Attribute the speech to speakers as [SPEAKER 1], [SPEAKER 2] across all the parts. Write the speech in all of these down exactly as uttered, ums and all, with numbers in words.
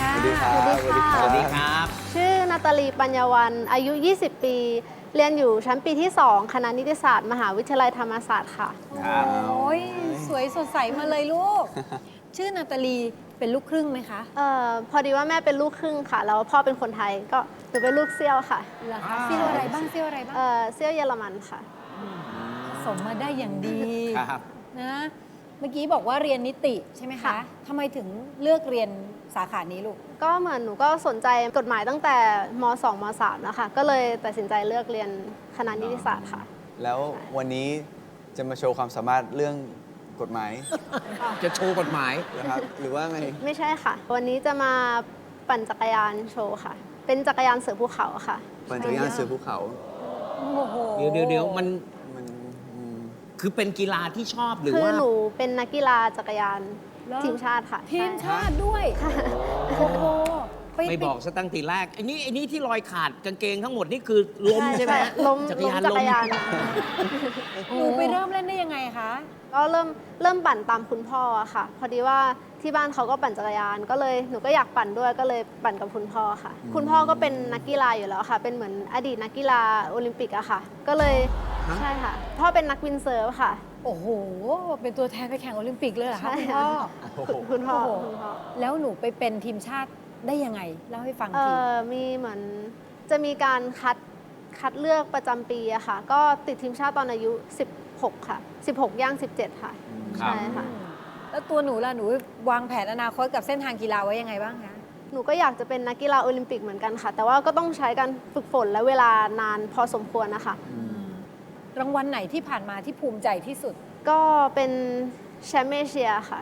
[SPEAKER 1] ค่ะ
[SPEAKER 2] สวัสดีครับ
[SPEAKER 3] สวัสดีค่ะ
[SPEAKER 2] สวัสดีครับ
[SPEAKER 3] ชื่อนาตาลีปัญญาวันอายุ ยี่สิบ ปี เรียนอยู่ชั้นปีที่ สอง คณะนิติศาสตร์ มหาวิทยาลัยธรรมศาสตร์ค่ะ
[SPEAKER 2] ครับ
[SPEAKER 1] โอ้ยสวยสดใสมาเลยลูก ชื่อนาตาลีเป็นลูกครึ่งไหมคะ
[SPEAKER 3] เอ่อพอดีว่าแม่เป็นลูกครึ่งค่ะ แล้วพ่อเป็นคนไทย ก็หนูเป็นลูกเซี่ยวค่ะ
[SPEAKER 1] เหรอคะเซี่ยวอะไรบ้างเซี่ยวอะไรบ้าง
[SPEAKER 3] เอ่อเซี่ยวเยอรมันค่ะ
[SPEAKER 1] สมมาได้อย่างดี
[SPEAKER 2] ครับ
[SPEAKER 1] นะ เมื่อกี้บอกว่าเรียนนิติใช่ไหมคะ
[SPEAKER 3] ค่ะ
[SPEAKER 1] ทำไมถึงเลือกเรียนสาขานี้ลูก
[SPEAKER 3] ก็เหมือนหนูก็สนใจกฎหมายตั้งแต่ม สอง ม สาม นะคะ ก็เลยตัดสินใจเลือกเรียนคณะนิติศาสตร์ค่ะ
[SPEAKER 2] แล้ววันนี้จะมาโชว์ความสามารถเรื่องกฎหมาย
[SPEAKER 4] จะโชว์กฎหมาย
[SPEAKER 2] นะครับ หรือว่าไง
[SPEAKER 3] ไม่ใช่ค่ะ วันนี้จะมาปั่นจักรยานโชว์ค่ะ เป็นจักรยานเสือภูเขาค่ะ
[SPEAKER 2] ปั่นจักรยานเสือภูเขา
[SPEAKER 1] โอ้โห
[SPEAKER 4] เดี๋ยวเดี๋ยวเดี๋ยวมัน
[SPEAKER 2] มันอืม
[SPEAKER 4] คือเป็นกีฬาที่ชอบหรือ
[SPEAKER 3] คือ
[SPEAKER 4] ว่า
[SPEAKER 3] หนูเป็นนักกีฬาจักรยาน
[SPEAKER 1] เหรอ
[SPEAKER 3] ทีมชาติค่ะ
[SPEAKER 1] ทีม
[SPEAKER 3] ใ
[SPEAKER 1] ชาติด้วย โอ้โหป
[SPEAKER 4] ไม่บอกซะตั้งทีแรกไอ้นี่ไอ้นี่ที่รอยขาดกางเกงทั้งหมดนี่คือล้มใช่ไหมฮะ
[SPEAKER 3] ล้ม
[SPEAKER 4] จักร
[SPEAKER 3] ล้ม
[SPEAKER 4] ยาน
[SPEAKER 3] จั
[SPEAKER 4] ล้
[SPEAKER 3] ก
[SPEAKER 4] ม
[SPEAKER 3] รยาน
[SPEAKER 1] หนูไปเริ่มเล่นได้ยังไงคะ
[SPEAKER 3] ก็เริ่มเริ่มปั่นตามคุณพ่ออะค่ะ พอดีว่าที่บ้านเขาก็ปั่นจักรยาน ก็เลยหนูก็อยากปั่นด้วยก็เลยปั่นกับคุณพ่อค่ะ คุณพ่อก็เป็นนักกีฬาอยู่แล้วค่ะ เป็นเหมือนอดีตนักกีฬาโอลิมปิกอะค่ะ ก็เลยใช่ค่ะพ่อเป็นนักวินเซิร์ฟค่ะ
[SPEAKER 1] โอ้โห เป็นตัวแทนไปแข่งโอลิมปิกเลยเหรอคะ
[SPEAKER 3] ใช่
[SPEAKER 1] คุณพ่อ
[SPEAKER 3] คุณคุณพ่อ
[SPEAKER 1] โอ้โห
[SPEAKER 3] คุณพ่อ
[SPEAKER 1] แล้วหนูไปเป็นทีมชาติได้ยังไง เล่าให้ฟัง
[SPEAKER 3] เอ่
[SPEAKER 1] ที
[SPEAKER 3] อมีเหมือนจะมีการคัดคัดเลือกประจำปีอะค่ะ ก็ติดทีมชาติตอนอายุ สิบหก ค่ะ สิบหก ย่าง สิบเจ็ด ค่ะ ใช่ค่ะ
[SPEAKER 1] แล้วตัวหนูล่ะ หนูวางแผนอนาคตกับเส้นทางกีฬาไว้ยังไงบ้างคะ
[SPEAKER 3] หนูก็อยากจะเป็นนักกีฬาโอลิมปิกเหมือนกันค่ะ แต่ว่าก็ต้องใช้การฝึกฝนและเวลานานพอสมควรนะคะ
[SPEAKER 1] รางวัลไหนที่ผ่านมาที่ภูมิใจที่สุด
[SPEAKER 3] ก็เป็นแชมป์เอเชียค่ะ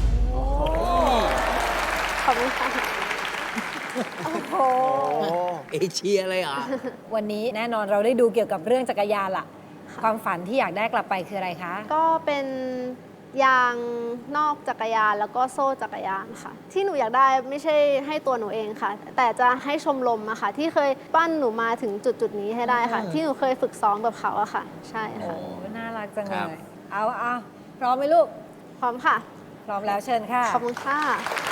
[SPEAKER 3] ขอบคุณค่ะ
[SPEAKER 1] โอ้โห
[SPEAKER 2] โอ้
[SPEAKER 4] เอเชียเลยเหรอ
[SPEAKER 1] วันนี้แน่นอนเราได้ดูเกี่ยวกับเรื่องจักรยานล่ะ ความฝันที่อยากได้กลับไปคืออะไรคะ
[SPEAKER 3] ก็เป็นยางนอกจักรยานแล้วก็โซ่จักรยานค่ะ ที่หนูอยากได้ไม่ใช่ให้ตัวหนูเองค่ะ แต่จะให้ชมรมอะค่ะ ที่เคยปั้นหนูมาถึงจุดจุดๆนี้ให้ได้ค่ะ
[SPEAKER 4] อืม
[SPEAKER 3] ที่หนูเคยฝึกซ้อมกับเขาอะค่ะ ใช่
[SPEAKER 1] โอ้
[SPEAKER 3] ค่ะ
[SPEAKER 1] น่ารักจัง
[SPEAKER 4] ค
[SPEAKER 1] เล
[SPEAKER 4] รับ
[SPEAKER 1] ย เอาเอาพร้อมไหมลูก
[SPEAKER 3] พร้อมค่ะ
[SPEAKER 1] พร้อมแล้วเชิญค่ะ
[SPEAKER 3] ขอบคุณค่ะ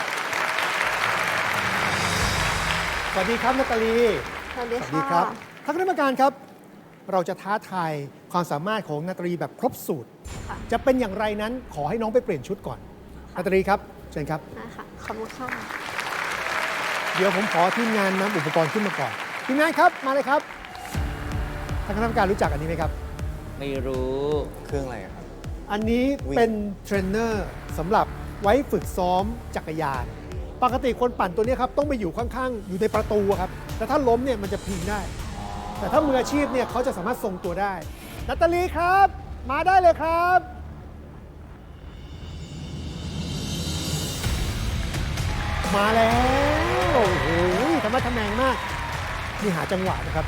[SPEAKER 5] สวัสดีครับนาตาลี
[SPEAKER 3] สวัสดี
[SPEAKER 5] สวัสดี
[SPEAKER 3] ค่ะ
[SPEAKER 5] ครับท่านคณะกรรมการครับ เราจะท้าทายความสามารถของนาตาลีแบบครบสูตร
[SPEAKER 3] ค่ะ
[SPEAKER 5] จะเป็นอย่างไรนั้นขอให้น้องไปเปลี่ยนชุดก่อนนาตาลีครับเชิญครับ
[SPEAKER 3] นะคะขอบคุณค่ะ
[SPEAKER 5] เดี๋ยวผมขอทีมงานนำอุปกรณ์ขึ้นมาก่อนทีมงานครับมาเลยครับท่านคณะกรรมการรู้จักอันนี้ไหมครับ
[SPEAKER 4] ไม่รู้
[SPEAKER 2] เครื่องอะไรอะครับ
[SPEAKER 5] อันนี้
[SPEAKER 2] วิ่ง
[SPEAKER 5] เป็นเทรนเนอร์สำหรับไว้ฝึกซ้อมจักรยาน ปกติคนปั่นตัวนี้ครับต้องไปอยู่ข้างๆ อยู่ในประตูอะครับแต่ถ้าล้มเนี่ยมันจะพิงได้ แต่ถ้ามืออาชีพเนี่ยเขาจะสามารถทรงตัวได้นาตาลีครับ มาได้เลยครับ มาแล้วโอ้โหธรรมะทแมงมากนี่หาจังหวะนะครับ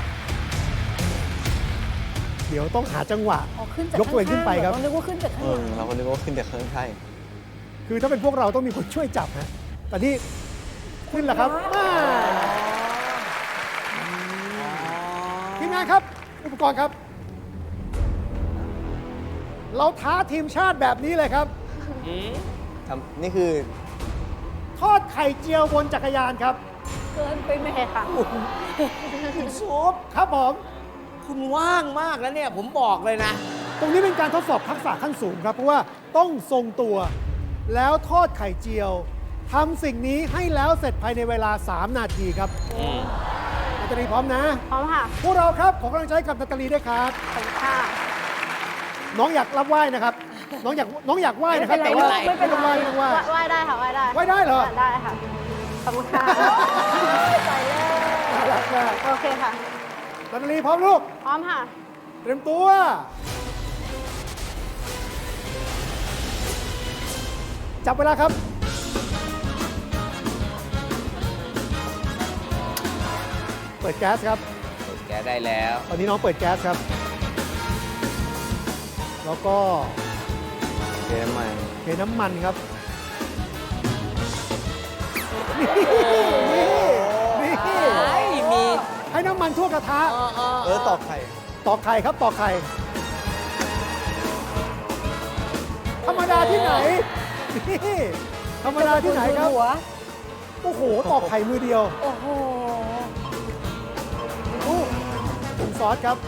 [SPEAKER 5] เดี๋ยวต้องหาจังหวะ
[SPEAKER 1] อ๋อขึ้นจาก
[SPEAKER 5] ยกตัวเองขึ้นไปครับ
[SPEAKER 1] ข้างๆเหอนึกว่าขึ้นจาก
[SPEAKER 2] เอ
[SPEAKER 1] ข้างห
[SPEAKER 2] อ
[SPEAKER 1] ลัง
[SPEAKER 2] เราก็นึกว่าขึ้นแต่เครื่องใช่
[SPEAKER 5] คือถ้าเป็นพวกเราต้องมีคนช่วยจับฮะแต่นี่ขึ้นแล้วครับอ่าทีมงานครับ อุปกรณ์ครับ เราท้าทีมชาติแบบนี้เลยครับ
[SPEAKER 2] ทำนี่คือ
[SPEAKER 5] ทอดไข่เจียวบนจักรยานครับ
[SPEAKER 1] เกินไปไหม
[SPEAKER 3] โอเคค่ะ
[SPEAKER 4] คุณซุป
[SPEAKER 5] ครับผม
[SPEAKER 4] คุณว่างมากแล้วเนี่ย ผมบอกเลยนะ
[SPEAKER 5] ตรงนี้เป็นการทดสอบทักษะขั้นสูงครับ เพราะว่าต้องทรงตัว แล้วทอดไข่เจียวทำสิ่งนี้ให้แล้วเสร็จภายในเวลา สาม นาทีครับนาตาลีพร้อมนะ
[SPEAKER 3] พร้อมค่ะ
[SPEAKER 5] พวกเราครับ ขอกำลังใจกับนาตาลีด้วยครับ
[SPEAKER 3] ขอบคุณค่ะ
[SPEAKER 5] น้องอยากรับไหว้นะครับ น้องอยากน้องอยากไหว้นะครับ แต่ว่า
[SPEAKER 1] ไม่เป็นไร
[SPEAKER 5] ไม่ต้องไหว้ไม่ต้องไหว้
[SPEAKER 3] ไหว้ได้ค่ะไหว้ได้
[SPEAKER 5] ไหว้ได้เหรอ
[SPEAKER 3] ได้ค่ะ ขอบคุณค่ะ
[SPEAKER 1] ไปแล้ว
[SPEAKER 5] น่ารักมาก
[SPEAKER 3] โอเคค่ะ
[SPEAKER 5] นาตาลีพร้อมลูก
[SPEAKER 3] พร้อมค่ะ
[SPEAKER 5] เตรียมตัว จับเวลาครับ เปิดแก๊สครับ
[SPEAKER 4] แกได้แล้ว
[SPEAKER 5] ตอนนี้น้องเปิดแก๊สครับ แล้วก็
[SPEAKER 2] เกมใหม่
[SPEAKER 5] เทน้ำมันครับนี่นี่นี่
[SPEAKER 4] ไอ้มี
[SPEAKER 5] ให้น้ำมันทั่วกระทะ
[SPEAKER 4] เออเออ
[SPEAKER 2] เออตอกไข่
[SPEAKER 5] ตอกไข่ครับตอกไข่ ธรรมดาที่ไหน นี่ธรรมดาที่ไหนครับ
[SPEAKER 1] หัว
[SPEAKER 5] โอ้โหตอกไข่มือเดียว
[SPEAKER 1] โอ้โห
[SPEAKER 5] ดูถุงซอสครับ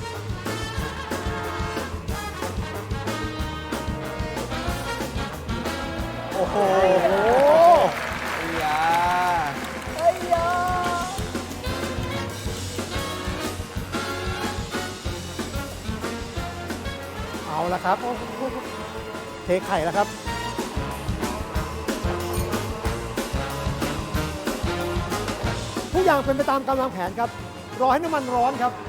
[SPEAKER 5] โอ้โห
[SPEAKER 2] ไอ้ยา
[SPEAKER 1] เอ้ยยา
[SPEAKER 5] เอาละครับ เทไข่แล้วครับ ทุกอย่างเป็นไปตามกำลังแผนครับ รอให้น้ำมันร้อนครับ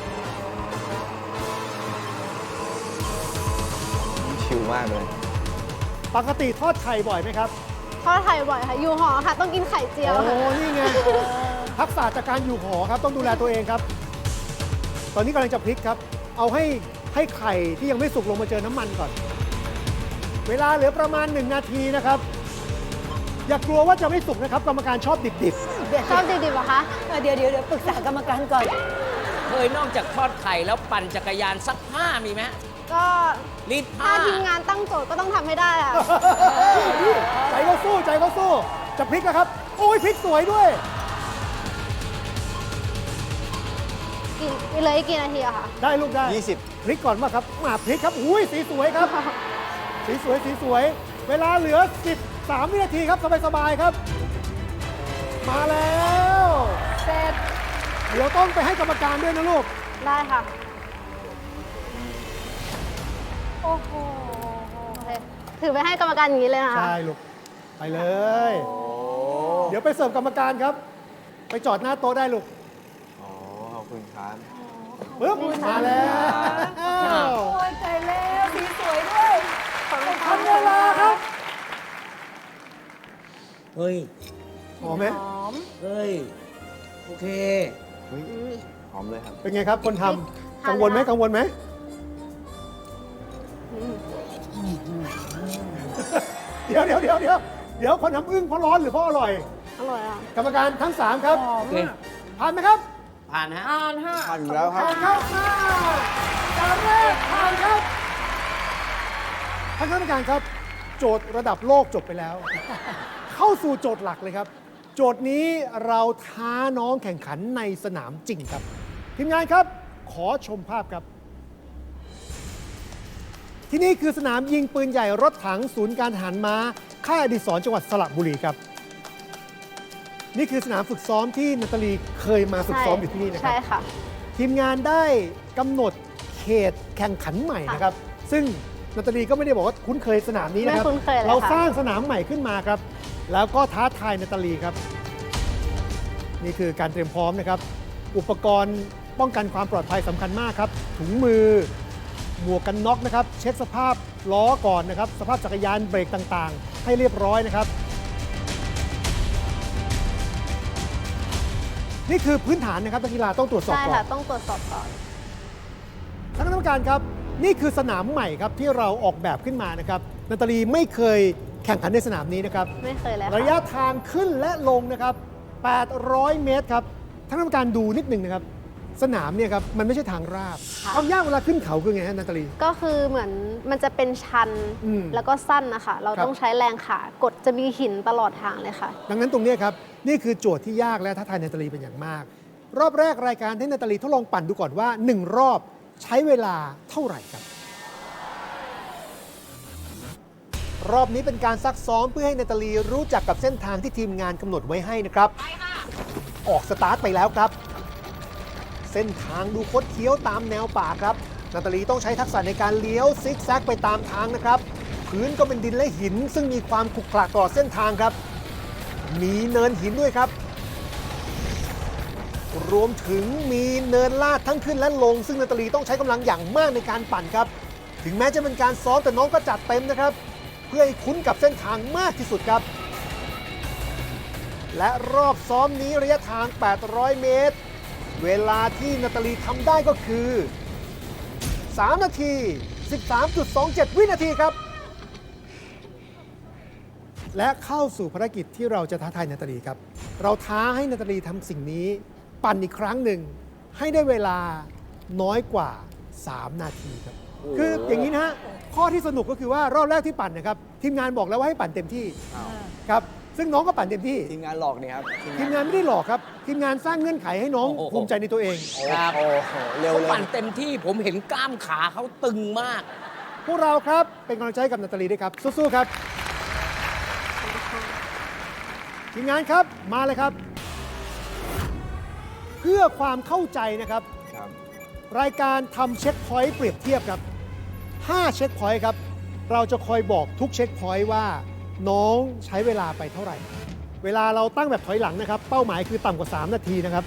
[SPEAKER 2] ชิวมากเลย
[SPEAKER 5] ปกติทอดไข่บ่อยไหมครับ
[SPEAKER 3] ทอดไข่บ่อยค่ะ อยู่หอค่ะ ต้องกินไข่เจียว
[SPEAKER 5] โอ้
[SPEAKER 3] ค่ะ
[SPEAKER 5] นี่ไง ทักษะจากการอยู่หอครับ ต้องดูแลตัวเองครับ ตอนนี้กำลังจะพลิกครับ เอาให้ให้ไข่ที่ยังไม่สุกลงมาเจอน้ำมันก่อน เวลาเหลือประมาณ หนึ่ง นาทีนะครับ อย่ากลัวว่าจะไม่สุกนะครับ กรรมการชอบดิบ
[SPEAKER 1] เดี๋ยว
[SPEAKER 3] ชอบดิบๆเหรอคะ
[SPEAKER 1] เออเดี๋ยวเดี๋ยวเดี๋ยวปรึกษากรรมการก่อน
[SPEAKER 4] เคยนอกจากทอดไข่แล้วปั่นจักรยานซักผ้ามีไหม
[SPEAKER 3] ก็
[SPEAKER 4] รีด
[SPEAKER 3] ถ้า
[SPEAKER 4] ผ้า
[SPEAKER 3] ทีมงานตั้งโจทย์ก็ต้องทำให้ได้อะ
[SPEAKER 5] ๆนี่ใจเขาสู้ใจเขาสู้ จะพลิกนะครับ โอ้ยพลิกสวยด้วย
[SPEAKER 3] กี่เหลยกี่นาทีอะคะ
[SPEAKER 5] ได้ลูกได้
[SPEAKER 2] ยี่สิบ
[SPEAKER 5] พลิกก่อนมาครับมาพลิกครับ อุ้ยสีสวยครับ สีสวยสีสวย เวลาเหลือ สิบสาม วินาทีครับ สบายๆครับ มาแล้ว
[SPEAKER 1] เสร็จ
[SPEAKER 5] เดี๋ยวต้องไปให้กรรมการด้วยนะลูก
[SPEAKER 3] ได้ค่ะ
[SPEAKER 1] โอ้โห
[SPEAKER 3] โอเค ถือไปให้กรรมการอย่างนี้เลยนะคะ
[SPEAKER 5] ใช่ลูก ไปเลย
[SPEAKER 2] โอ้
[SPEAKER 5] เดี๋ยวไปเสิร์ฟกรรมการครับ ไปจอดหน้าโต๊ะได้ลูก
[SPEAKER 2] โอ้ขอบคุณครับ
[SPEAKER 5] ปึ๊บ มาแล้ว
[SPEAKER 1] โอ้ยใจแล้วสีสวยด้วย
[SPEAKER 5] ทำเวลาครับ
[SPEAKER 4] เฮ้ย
[SPEAKER 5] หอมไหม
[SPEAKER 1] หอม
[SPEAKER 4] เฮ้ย โอเค
[SPEAKER 2] เฮ้ยหอมเลยครับ
[SPEAKER 5] เป็นไงครับ คนทำกังวลไหมกังวลไหม เดี๋ยวเดี๋ยวเดี๋ยวเดี๋ยวเดี๋ยวคนทำอึ้งเพราะร้อนหรือเพราะอร่อย
[SPEAKER 3] อร่อยอ่ะ
[SPEAKER 5] กรรมการทั้ง 3 ครับ
[SPEAKER 1] หอม
[SPEAKER 4] โอเค
[SPEAKER 1] อ่ะ
[SPEAKER 5] ผ่านไหมครับ
[SPEAKER 4] ผ่านฮะ
[SPEAKER 1] อ่านฮะ
[SPEAKER 2] ผ่านอยู่แล้วครับ
[SPEAKER 5] ผ่านครับมาจานแรกผ่านครับท่านคณะกรรมการครับ โจทย์ระดับโลกจบไปแล้ว เข้าสู่โจทย์หลักเลยครับ โจทย์นี้เราท้าน้องแข่งขันในสนามจริงครับ ทีมงานครับ ขอชมภาพครับ ที่นี่คือสนามยิงปืนใหญ่รถถังศูนย์การทหารม้าค่ายอดิศรจังหวัดสระบุรีครับ นี่คือสนามฝึกซ้อมที่นาตาลีเคยมาฝึกซ้อมอยู่ที่นี่นะครั
[SPEAKER 3] ใช่
[SPEAKER 5] บ
[SPEAKER 3] ค่ะ
[SPEAKER 5] ทีมงานได้กำหนดเขตแข่งขันใหม่นะครับ ซึ่งนาตาลีก็ไม่ได้บอกว่าคุ้นเคยสนามนี้นะครับ
[SPEAKER 3] ไม่คุ้นเคยเลยค่ะ
[SPEAKER 5] เราสร้างสนามใหม่ขึ้นมาครับ แล้วก็ท้าทายนาตาลีครับ นี่คือการเตรียมพร้อมนะครับ อุปกรณ์ป้องกันความปลอดภัยสำคัญมากครับ ถุงมือ หมวกกันน็อกนะครับ เช็คสภาพล้อก่อนนะครับ สภาพจักรยานเบรกต่างๆ ให้เรียบร้อยนะครับ นี่คือพื้นฐานนะครับนักกีฬาต้องตรวจสอบ
[SPEAKER 3] ใช่
[SPEAKER 5] ก่อ
[SPEAKER 3] ค่ะ
[SPEAKER 5] น
[SPEAKER 3] ต้องตรวจสอบก่อน
[SPEAKER 5] ท่านคณะกรรมการครับ นี่คือสนามใหม่ครับที่เราออกแบบขึ้นมานะครับนาตาลีไม่เคยแข่งขันในสนามนี้นะครับ
[SPEAKER 3] ไม่เคยเลย
[SPEAKER 5] ระยะ
[SPEAKER 3] ค่ะ
[SPEAKER 5] ทางขึ้นและลงนะครับ แปดร้อย เมตรครับท่านคณะกรรมการดูนิดหนึ่งนะครับ สนามเนี่ยครับมันไม่ใช่ทางราบ ความยากเวลาขึ้นเขาคือไงฮะนาตาลี
[SPEAKER 3] ก็คือเหมือนมันจะเป็นชัน
[SPEAKER 5] อืม
[SPEAKER 3] แล้วก็สั้นนะคะ เรา
[SPEAKER 5] ครับ
[SPEAKER 3] ต้องใช้แรงขากดจะมีหินตลอดทางเลยค่ะ
[SPEAKER 5] ดังนั้นตรงเนี้ยครับนี่คือโจทย์ที่ยากและท้าทายนาตาลีเป็นอย่างมาก รอบแรกรายการให้นาตาลีทดลองปั่นดูก่อนว่าหนึ่งรอบใช้เวลาเท่าไหร่ครับ รอบนี้เป็นการซักซ้อมเพื่อให้นาตาลีรู้จักกับเส้นทางที่ทีมงานกำหนดไว้ให้นะครับ ออกสตาร์ทไปแล้วครับ เส้นทางดูคดเคี้ยวตามแนวป่าครับนาตาลีต้องใช้ทักษะในการเลี้ยวซิกแซกไปตามทางนะครับ พื้นก็เป็นดินและหิน ซึ่งมีความขรุขระตลอดเส้นทางครับ มีเนินหินด้วยครับ รวมถึงมีเนินลาดทั้งขึ้นและลง ซึ่งนาตาลีต้องใช้กำลังอย่างมากในการปั่นครับ ถึงแม้จะเป็นการซ้อมแต่น้องก็จัดเต็มนะครับ เพื่อให้คุ้นกับเส้นทางมากที่สุดครับ และรอบซ้อมนี้ระยะทาง แปดร้อย เมตร เวลาที่นาตาลีทำได้ก็คือ สาม นาที สิบสามจุดสองเจ็ด วินาทีครับ และเข้าสู่ภารกิจที่เราจะท้าทายนาตาลีครับ เราท้าให้นาตาลีทำสิ่งนี้ ปั่นอีกครั้งหนึ่ง ให้ได้เวลาน้อยกว่า สาม นาทีครับ คืออย่างนี้นะฮะ ข้อที่สนุกก็คือว่ารอบแรกที่ปั่นนะครับ ทีมงานบอกแล้วว่าให้ปั่นเต็มที่ครับซึ่งน้องก็ปั่นเต็มที่
[SPEAKER 2] ทีมงานหลอกเนี่ยครับ
[SPEAKER 5] ทีมงานไม่ได้หลอกครับ ทีมงานสร้างเงื่อนไขให้น้อง
[SPEAKER 4] โอ้โห
[SPEAKER 5] ภูมิใจในตัวเอง
[SPEAKER 4] ครับ
[SPEAKER 2] โอ้โหเร็ว
[SPEAKER 4] เขา
[SPEAKER 2] เลย
[SPEAKER 4] ปั่นเต็มที่ผมเห็นกล้ามขาเขาตึงมาก
[SPEAKER 5] พวกเราครับเป็นกำลังใจให้กับนาตาลีด้วยครับ สู้ๆครับ ทีมงานครับมาเลยครับ เพื่อความเข้าใจนะครับ
[SPEAKER 2] ครับ
[SPEAKER 5] รายการทำเช็คพอยต์เปรียบเทียบครับห้าเช็คพอยต์ครับ เราจะคอยบอกทุกเช็คพอยต์ว่าน้องใช้เวลาไปเท่าไหร่ เวลาเราตั้งแบบถอยหลังนะครับ เป้าหมายคือต่ำกว่า สาม นาทีนะครับ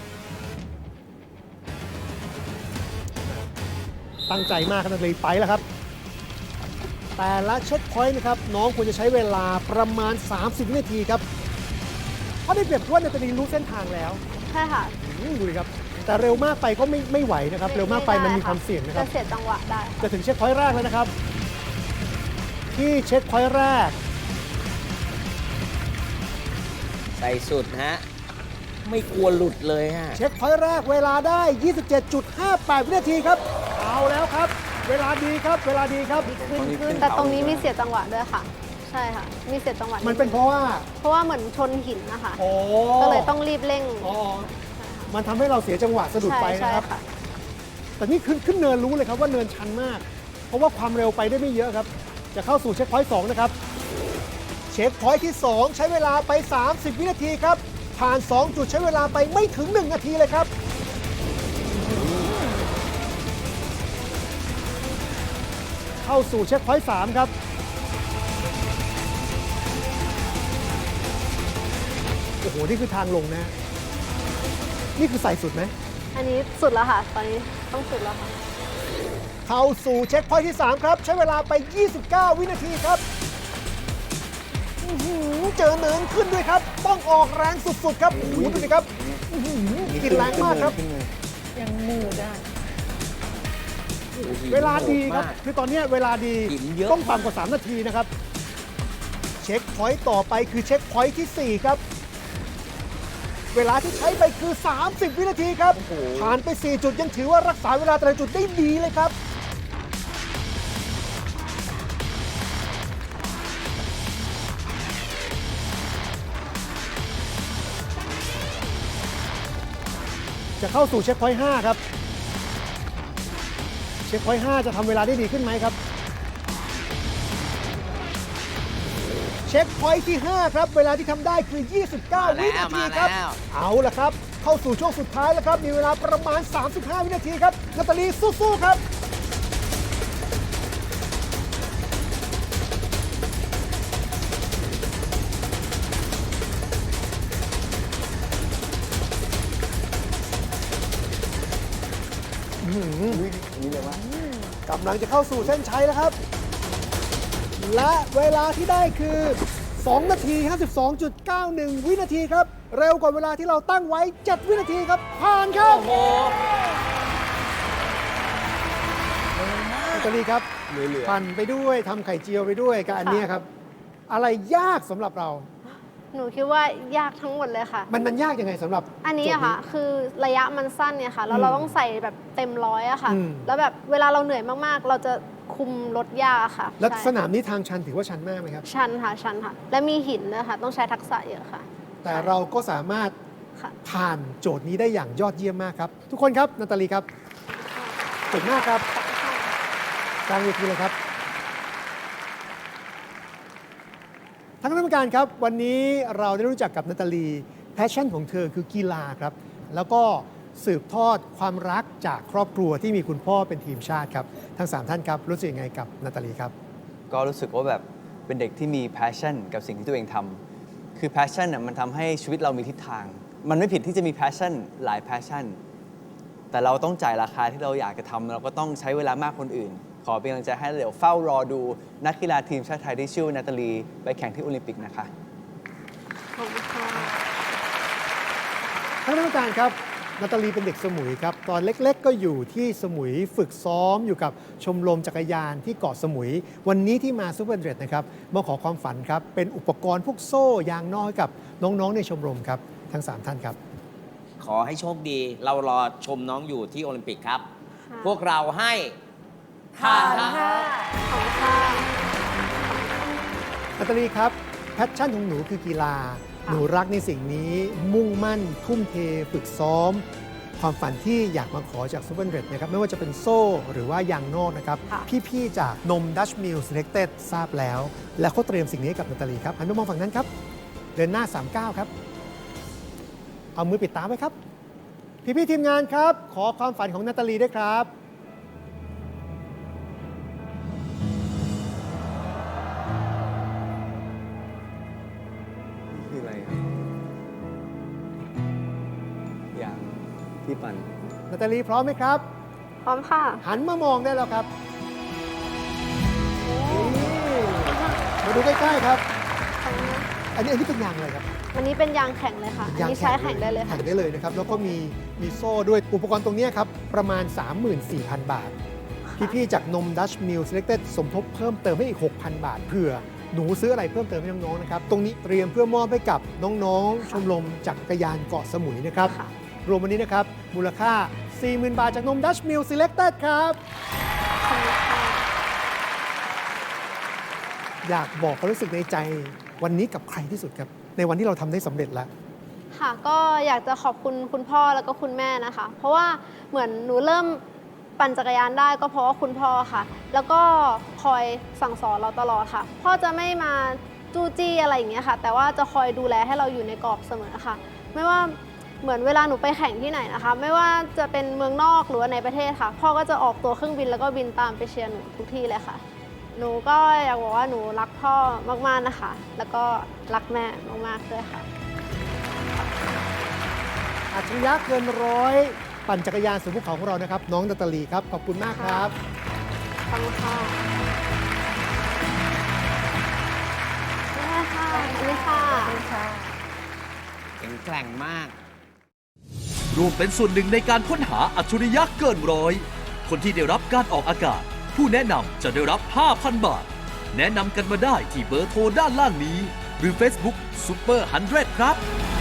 [SPEAKER 5] ตั้งใจมากครับนาตาลีไปแล้วครับ แต่ละเช็คพอยต์นะครับ น้องควรจะใช้เวลาประมาณ สามสิบ วินาทีครับ เพราะได้เปรียบว่านาตาลีรู้เส้นทางแล้ว
[SPEAKER 3] ใช่ค่ะ
[SPEAKER 5] อืมดูดิครับ แต่เร็วมากไปก็ไม่ไม่ไหวนะครับ เร็วมากไปมันมีความเสี่ยงนะครับ
[SPEAKER 3] จะเสียจังหวะได้ค่ะ
[SPEAKER 5] จะถึงเช็คพอยต์แรกแล้วนะครับ ที่เช็คพอยต์แรก
[SPEAKER 4] ใส่สุดฮะ ไม่กลัวหลุดเลยฮะ
[SPEAKER 5] เช็คพอยต์แรกเวลาได้ ยี่สิบเจ็ดจุดห้าแปด วินาทีครับ เอาแล้วครับ เวลาดีครับ เวลาดีครับ
[SPEAKER 3] ขึ้นขึ้นแต่ตรงนี้มีเสียจังหวะด้วยค่ะ ใช่ค่ะ มีเสียจังหวะ
[SPEAKER 5] มันเป็นเพราะว่า
[SPEAKER 3] เพราะว่าเหมือนชนหินนะคะ
[SPEAKER 5] โอ้
[SPEAKER 3] ก็เลยต้องรีบเร่ง
[SPEAKER 5] อ๋อมันทำให้เราเสียจังหวะสะดุด
[SPEAKER 3] ใช่
[SPEAKER 5] ไป
[SPEAKER 3] ใช่
[SPEAKER 5] นะครับ
[SPEAKER 3] ค่ะ
[SPEAKER 5] แต่นี่ขึ้นขึ้นเนินรู้เลยครับว่าเนินชันมาก เพราะว่าความเร็วไปได้ไม่เยอะครับ จะเข้าสู่เช็คพอยต์สองนะครับ เช็คพอยต์ที่ สอง ใช้เวลาไป สามสิบ วินาทีครับ ผ่าน สอง จุดใช้เวลาไปไม่ถึง หนึ่ง นาทีเลยครับ เข้าสู่เช็คพอยต์สามครับ โอ้โห นี่คือทางลงนะ นี่คือใส่สุดไหม
[SPEAKER 3] อันนี้สุดแล้วค่ะ ตอนนี้ต้องสุดแล้วค่ะ
[SPEAKER 5] เข้าสู่เช็คพอยต์ที่ สาม ครับ ใช้เวลาไป ยี่สิบเก้า วินาทีครับอื้อหือเจอเนินขึ้นด้วยครับ ต้องออกแรงสุดๆครับโอ้โหดูสิครับอื้อหือกินแรงมากครับ
[SPEAKER 1] ยังหนืดได้
[SPEAKER 5] เวลาดีครับ คือตอนเนี้ยเวลาดี
[SPEAKER 4] หินเยอะ
[SPEAKER 5] ต้องต่ำกว่า สาม นาทีนะครับ เช็คพอยต์ต่อไปคือเช็คพอยต์ที่ สี่ ครับ เวลาที่ใช้ไปคือ สามสิบ วินาทีครับ ผ่านไป สี่ จุดยังถือว่ารักษาเวลาแต่ละจุดได้ดีเลยครับ จะเข้าสู่เช็คพอยต์ห้าครับ เช็คพอยต์ห้าจะทำเวลาได้ดีขึ้นไหมครับ เช็คพอยต์ที่ ห้า ครับ เวลาที่ทำได้คือ ยี่สิบเก้า
[SPEAKER 4] มาแล้ว
[SPEAKER 5] วินาทีครับ
[SPEAKER 4] มาแล้ว
[SPEAKER 5] เอาละครับ เข้าสู่ช่วงสุดท้ายแล้วครับ มีเวลาประมาณ สามสิบห้า วินาทีครับนาตาลีสู้ๆครับ
[SPEAKER 2] นี่เลยว่าก
[SPEAKER 5] ำลังจะเข้าสู่เส้นชัยแล้วครับ และเวลาที่ได้คือ สอง นาที ห้าสิบสองจุดเก้าหนึ่ง วินาทีครับ เร็วกว่าเวลาที่เราตั้งไว้ เจ็ด วินาทีครับ ผ่านครับ
[SPEAKER 4] โอ้โห
[SPEAKER 5] นาตาลีครับ
[SPEAKER 2] เหลือ
[SPEAKER 5] ปั่นไปด้วยทำไข่เจียวไปด้วยกับอันเนี้ยครับ อะไรยากสำหรับเรา
[SPEAKER 3] หนูคิดว่ายากทั้งหมดเลยค่ะ
[SPEAKER 5] มันมันยากยังไงสำหรับ
[SPEAKER 3] อันนี้อะค่ะ คือระยะมันสั้นเนี่ยค่ะ แล้วเราต้องใส่แบบเต็มร้อยอะค่ะ
[SPEAKER 5] อืม
[SPEAKER 3] แล้วแบบเวลาเราเหนื่อยมากๆ เราจะคุมรถยากอะค่ะ
[SPEAKER 5] แล้ว
[SPEAKER 3] ใช่
[SPEAKER 5] สนามนี้ทางชันถือว่าชันมากไหมครับ
[SPEAKER 3] ชันค่ะ ชันค่ะ และมีหินด้วยค่ะ ต้องใช้ทักษะเยอะค่ะ
[SPEAKER 5] แต่เราก็สามารถ
[SPEAKER 3] ค่ะ
[SPEAKER 5] ผ่านโจทย์นี้ได้อย่างยอดเยี่ยมมากครับ ทุกคนครับนาตาลีครับเก่งมากครับกลางเวทีเลยครับท่านคณะกรรมการครับ วันนี้เราได้รู้จักกับนาตาลีแพชชั่นของเธอคือกีฬาครับ แล้วก็สืบทอดความรักจากครอบครัวที่มีคุณพ่อเป็นทีมชาติครับ ทั้งสามท่านครับ รู้สึกยังไงกับนาตาลีครับ
[SPEAKER 2] ก็รู้สึกว่าแบบเป็นเด็กที่มี passion กับสิ่งที่ตัวเองทำคือ passion น่ะมันทำให้ชีวิตเรามีทิศทาง มันไม่ผิดที่จะมี passion หลาย passion แต่เราต้องจ่ายราคาที่เราอยากจะทำเราก็ต้องใช้เวลามากคนอื่น ขอเป็นกำลังใจให้เดี๋ยวเฝ้ารอดูนักกีฬาทีมชาติไทยที่ชื่อนาตาลีไปแข่งที่โอลิมปิกนะคะ
[SPEAKER 3] ขอบคุณค่ะ
[SPEAKER 5] ท่านคณะกรรมการครับนาตาลีเป็นเด็กสมุยครับ ตอนเล็กๆ ก็อยู่ที่สมุยฝึกซ้อมอยู่กับชมรมจักรยานที่เกาะสมุย วันนี้ที่มาซูเปอร์เดรดนะครับมาขอความฝันครับ เป็นอุปกรณ์พวกโซ่ยางน้อยกับน้องๆในชมรมครับ ทั้งสามท่านครับ
[SPEAKER 4] ขอให้โชคดี เรารอชมน้องอยู่ที่โอลิมปิกครับ
[SPEAKER 3] ค่ะ
[SPEAKER 4] พวกเราให้ผ่านครับ
[SPEAKER 3] ขอบคุณค่ะ
[SPEAKER 5] นาตาลีครับแพชชั่นของหนูคือกีฬา
[SPEAKER 3] ค่ะ
[SPEAKER 5] หนูรักในสิ่งนี้ มุ่งมั่น ทุ่มเท ฝึกซ้อม ความฝันที่อยากมาขอจากซูเปอร์เรดนะครับไม่ว่าจะเป็นโซ่หรือว่ายางนอกนะครับ
[SPEAKER 3] ค่ะ
[SPEAKER 5] พี่ ๆ จากนม Dutch Mill Selected ทราบแล้ว และเขาเตรียมสิ่งนี้ให้กับนาตาลีครับหันไปมองฝั่งนั้นครับ เดินหน้า สามเก้า ครับ เอามือปิดตาไว้ครับ พี่ๆทีมงานครับ ขอความฝันของนาตาลีด้วยครับ
[SPEAKER 2] คืออะไรครับอย่างที่ปั่น
[SPEAKER 5] นาตาลีพร้อมไหมครับ
[SPEAKER 3] พร้อมค่ะ
[SPEAKER 5] หันมามองได้แล้วครับนี่มาดูใกล้ๆครับ อันนี้อันนี้เป็นยางอะไรครับ
[SPEAKER 3] วันนี้เป็นยางแข็งเลยค่ะอันนี้ใช้แข่งได้เลยค่ะ
[SPEAKER 5] แข่งได้เลยนะครับ แล้วก็มีมีโซ่ด้วย อุปกรณ์ตรงนี้ครับ ประมาณ สามหมื่นสี่พัน บาท พี่ๆจากนม Dutch Mill Selected สมทบเพิ่มเติมให้อีก หกพัน บาท เผื่อหนูซื้ออะไรเพิ่มเติมให้น้องๆนะครับ ตรงนี้เตรียมเพื่อมอบให้กับน้องๆ ชมรมจักรยานเกาะสมุยนะครับ
[SPEAKER 3] ค่ะ
[SPEAKER 5] รวมวันนี้นะครับ มูลค่า สี่หมื่น บาทจากนม Dutch Mill Selected ครับ
[SPEAKER 3] ขอบคุณค่ะ
[SPEAKER 5] อยากบอกความรู้สึกในใจวันนี้กับใครที่สุดครับ ในวันที่เราทำได้สำเร็จแล้ว
[SPEAKER 3] ค่ะก็อยากจะขอบคุณคุณพ่อแล้วก็คุณแม่นะคะ เพราะว่าเหมือนหนูเริ่มปั่นจักรยานได้ก็เพราะว่าคุณพ่อค่ะ แล้วก็คอยสั่งสอนเราตลอดค่ะ พ่อจะไม่มาจู้จี้อะไรอย่างเงี้ยค่ะ แต่ว่าจะคอยดูแลให้เราอยู่ในกรอบเสมอค่ะ ไม่ว่าเหมือนเวลาหนูไปแข่งที่ไหนนะคะ ไม่ว่าจะเป็นเมืองนอกหรือว่าในประเทศค่ะ พ่อก็จะออกตัวเครื่องบินแล้วก็บินตามไปเชียร์หนูทุกที่เลยค่ะ หนูก็อยากบอกว่าหนูรักพ่อมากๆนะคะ แล้วก็รักแม่มากๆด้วยค่ะ
[SPEAKER 5] อัจฉริยะเกินร้อยปั่นจักรยานสู่ภูเขาของเรานะครับ น้องนาตาลีครับ ขอบคุณมากครับ
[SPEAKER 3] ขอบคุณค่ะนี่ค่ะอันนี้ค่ะ
[SPEAKER 4] แข็งแกร่งมาก
[SPEAKER 6] ร่วมเป็นส่วนหนึ่งในการค้นหาอัจฉริยะเกินร้อย คนที่ได้รับการออกอากาศ ผู้แนะนำจะได้รับ ห้าพัน บาท แนะนำกันมาได้ที่เบอร์โทรด้านล่างนี้ หรือ Facebook Super หนึ่งร้อย ครับ